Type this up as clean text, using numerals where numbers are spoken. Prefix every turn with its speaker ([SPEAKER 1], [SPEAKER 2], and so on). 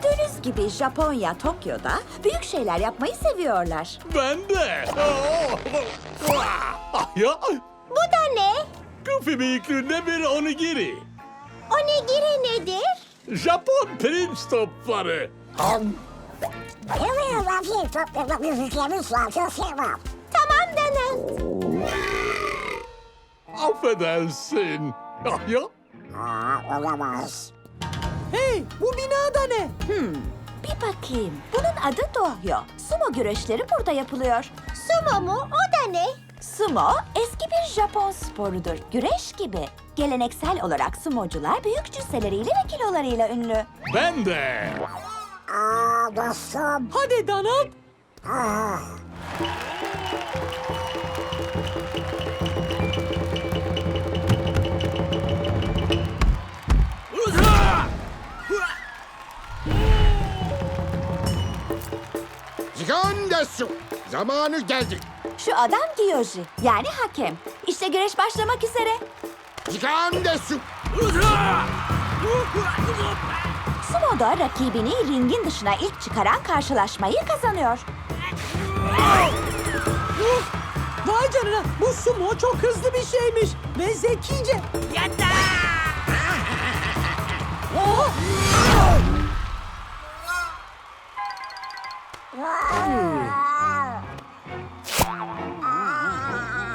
[SPEAKER 1] Gördüğünüz gibi Japonya, Tokyo'da büyük şeyler yapmayı seviyorlar.
[SPEAKER 2] Ben de. Ya,
[SPEAKER 3] Bu da ne?
[SPEAKER 2] Goofy büyüklüğünde bir onigiri.
[SPEAKER 3] Onigiri nedir?
[SPEAKER 2] Japon pirinç topları.
[SPEAKER 3] Tamam Donald.
[SPEAKER 2] Affedersin. Ya,
[SPEAKER 4] Hey, bu binada ne?
[SPEAKER 1] Bir bakayım. Bunun adı Dohyo. Sumo güreşleri burada yapılıyor.
[SPEAKER 3] Sumo mu? O da ne?
[SPEAKER 1] Sumo eski bir Japon sporudur. Güreş gibi. Geleneksel olarak sumocular büyük cüsseleriyle ve kilolarıyla ünlü.
[SPEAKER 2] ben de.
[SPEAKER 4] Hadi Donald.
[SPEAKER 5] Jigan desu. Zamanı geldi.
[SPEAKER 1] Şu adam Gyoji, yani hakem. İşte güreş başlamak üzere.
[SPEAKER 5] Jigan desu.
[SPEAKER 1] Sumo'da rakibini ringin dışına ilk çıkaran karşılaşmayı kazanıyor.
[SPEAKER 4] Vay canına, bu sumo çok hızlı bir şeymiş ve zekice.
[SPEAKER 6] Yatta!